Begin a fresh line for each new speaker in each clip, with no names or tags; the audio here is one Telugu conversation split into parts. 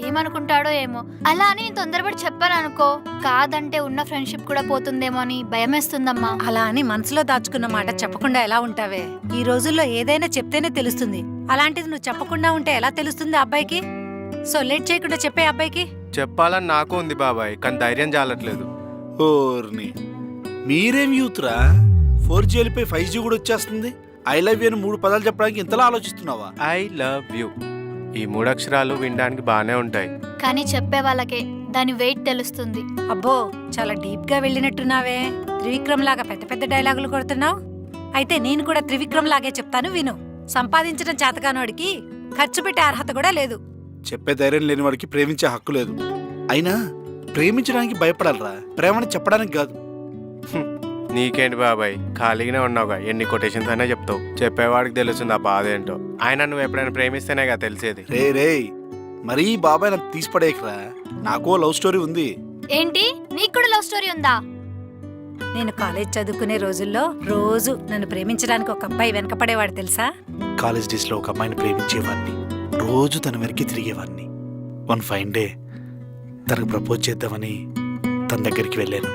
ఏమనుకుంటాడో ఏమో. అలా అని నేను తొందరపడి చెప్పాను అనుకో, కాదంటే ఉన్న ఫ్రెండ్షిప్ కూడా పోతుందేమో అని భయమేస్తుందమ్మా.
అలా అని మనసులో దాచుకున్న మాట చెప్పకుండా ఎలా ఉంటావే? ఈ రోజుల్లో ఏదైనా చెప్తేనే తెలుస్తుంది. అలాంటిది నువ్వు చెప్పకుండా ఉంటే ఎలా తెలుస్తుంది అబ్బాయికి? సో లేట్ చేయకుండా చెప్పే అబ్బాయికి.
చెప్పాలని నాకు ఉంది బాబాయ్, కానీ ధైర్యం చాలట్లేదు.
ఓర్ని మీరేం యూత్రా? 4G వెళ్ళిపోయి 5G కూడా వచ్చేస్తుంది. ఐ లవ్ యూ అని 3 పదాలు చెప్పడానికి ఇంతలా ఆలోచిస్తున్నావా?
ఐ లవ్ యూ, ఈ 3 అక్షరాలు వినడానికి బాగానే ఉంటాయి,
కానీ చెప్పే వాళ్ళకే దాని వెయిట్ తెలుస్తుంది.
అబ్బో చాలా డీప్ గా వెళ్ళినట్టున్నావే. త్రివిక్రమ్ లాగా పెద్ద పెద్ద డైలాగులు కొడుతున్నావు. అయితే నేను కూడా త్రివిక్రమ్ లాగే చెప్తాను విను. సంపాదించడం చేతకానోడికి ఖర్చు పెట్టే అర్హత కూడా లేదు.
చెప్పే ధైర్యం లేని వాడికి ప్రేమించే హక్కు లేదు. అయినా ప్రేమించడానికి భయపడాలరా, ప్రేమని చెప్పడానికి కాదు.
నీకేంటి బాబాయ్, ఖాళీగానే ఉన్నావుగా, ఎన్ని కొటేషన్స్ అయినా చెప్తావు. చెప్పేవాడికి తెలుస్తుంది ఆ బాధ ఏంటో. ఆయన నువ్వు ఎప్పుడైనా ప్రేమిస్తేనేగా తెలిసేది.
రే మరీ బాబాయ్ నాకు తీసిపడేయకరా, నాకో లవ్ స్టోరీ ఉంది.
ఏంటి, నీకు కూడా లవ్ స్టోరీ ఉందా?
నేను కాలేజ్ చదువుకునే రోజుల్లో రోజు నన్ను ప్రేమించడానికి ఒక అబ్బాయి వెనకపడేవాడు తెలుసా?
కాలేజ్ డేస్ లో ఒక అమ్మాయిని ప్రేమించేవాడిని, రోజు తన వెనక్కి తిరిగేవాడిని. వన్ ఫైన్ డే తనకు ప్రపోజ్ చేద్దామని తన దగ్గరికి వెళ్ళాను.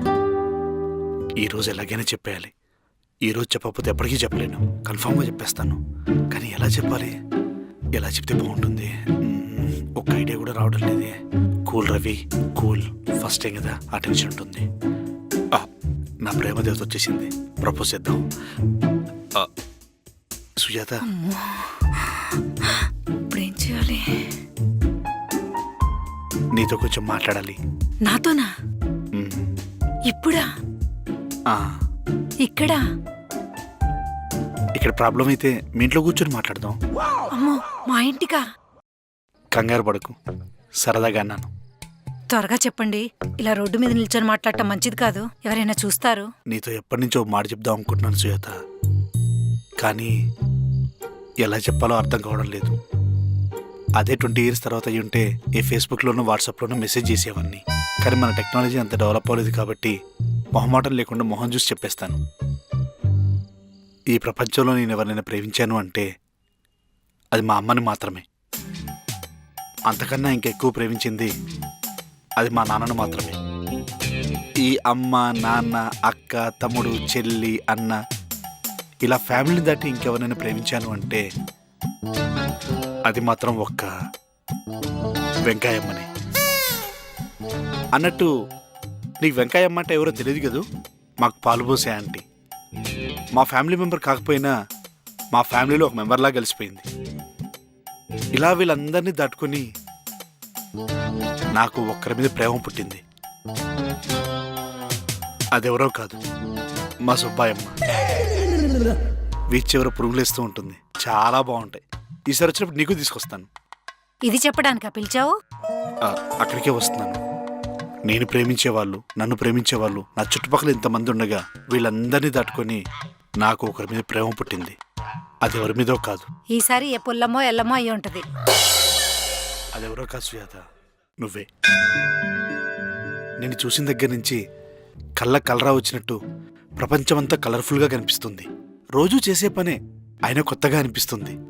ఈ రోజు ఎలాగైనా చెప్పేయాలి. ఈ రోజు చెప్పకపోతే ఎప్పటికీ చెప్పలేను, కన్ఫామ్గా చెప్పేస్తాను. కానీ ఎలా చెప్పాలి, ఎలా చెప్తే బాగుంటుంది? ఒక్క ఐడియా కూడా రావడం లేదే. Cool Ravi, cool, first time కదా, ఆ టెన్షన్ ఉంటుంది. నా ప్రేమ దేవత వచ్చేసింది, ప్రపోజ్ చేద్దాం. సుజాత,
ఇప్పుడేం చేయాలి?
నీతో కొంచెం మాట్లాడాలి.
నాతోనా? ఇప్పుడా?
ఇక్కడ ప్రాబ్లం అయితే మీ ఇంట్లో కూర్చొని మాట్లాడదాం.
అమ్మో, మా ఇంటికా?
కంగారు పడకు, సరదాగా అన్నాను.
త్వరగా చెప్పండి. ఇలా రోడ్డు మీద నిల్చొని మాట్లాడటం మంచిది కాదు, ఎవరైనా చూస్తారు.
నీతో ఎప్పటి నుంచో మాట చెప్దాం అనుకుంటున్నాను సుజాత, కానీ ఎలా చెప్పాలో అర్థం కావడం లేదు. అదే 20 years తర్వాత అయ్యి ఉంటే ఏ ఫేస్బుక్లోనూ వాట్సాప్లోనూ మెసేజ్ చేసేవాడిని. కానీ మన టెక్నాలజీ అంత డెవలప్ అవ్వలేదు కాబట్టి మొహమాటం లేకుండా మొహం చూసి చెప్పేస్తాను. ఈ ప్రపంచంలో నేను ఎవరినైనా ప్రేమించాను అంటే అది మా అమ్మని మాత్రమే. అంతకన్నా ఇంకెక్కువ ప్రేమించింది అది మా నాన్నను మాత్రమే. ఈ అమ్మ, నాన్న, అక్క, తమ్ముడు, చెల్లి, అన్న, ఇలా ఫ్యామిలీని దాటి ఇంకెవరైనా ప్రేమించాను అంటే అది మాత్రం ఒక్క వెంకాయమ్మని. అన్నట్టు నీకు వెంకాయమ్మ అంటే ఎవరో తెలియదు కదూ? మాకు పాలుపోసే ఆంటీ. మా ఫ్యామిలీ మెంబర్ కాకపోయినా మా ఫ్యామిలీలో ఒక మెంబర్లా కలిసిపోయింది. ఇలా వీళ్ళందరినీ దాటుకొని నాకు ఒక్కరి మీద ప్రేమ పుట్టింది. అదెవరో కాదు, మా సుబ్బాయమ్మ. వీచ్ చివర పురుగులేస్తూ ఉంటుంది, చాలా బాగుంటాయి. ఈసారి వచ్చినప్పుడు నీకు తీసుకొస్తాను.
ఇది చెప్పడానికా పిలిచావు?
అక్కడికే వస్తున్నాను. నేను ప్రేమించేవాళ్ళు, నన్ను ప్రేమించేవాళ్ళు నా చుట్టుపక్కల ఇంతమంది ఉండగా వీళ్ళందరినీ దాటుకొని నాకు ఒకరి మీద ప్రేమ పుట్టింది. అది ఎవరి మీదో కాదు.
ఈసారి ఏ పుల్లమో ఎల్లమో అయ్యి ఉంటది.
అదెవరో కాదు సుజాత, నువ్వే. నేను చూసిన దగ్గర నుంచి కలరా వచ్చినట్టు ప్రపంచమంతా కలర్ఫుల్గా కనిపిస్తుంది. రోజూ చేసే పనే అయినా కొత్తగా అనిపిస్తుంది.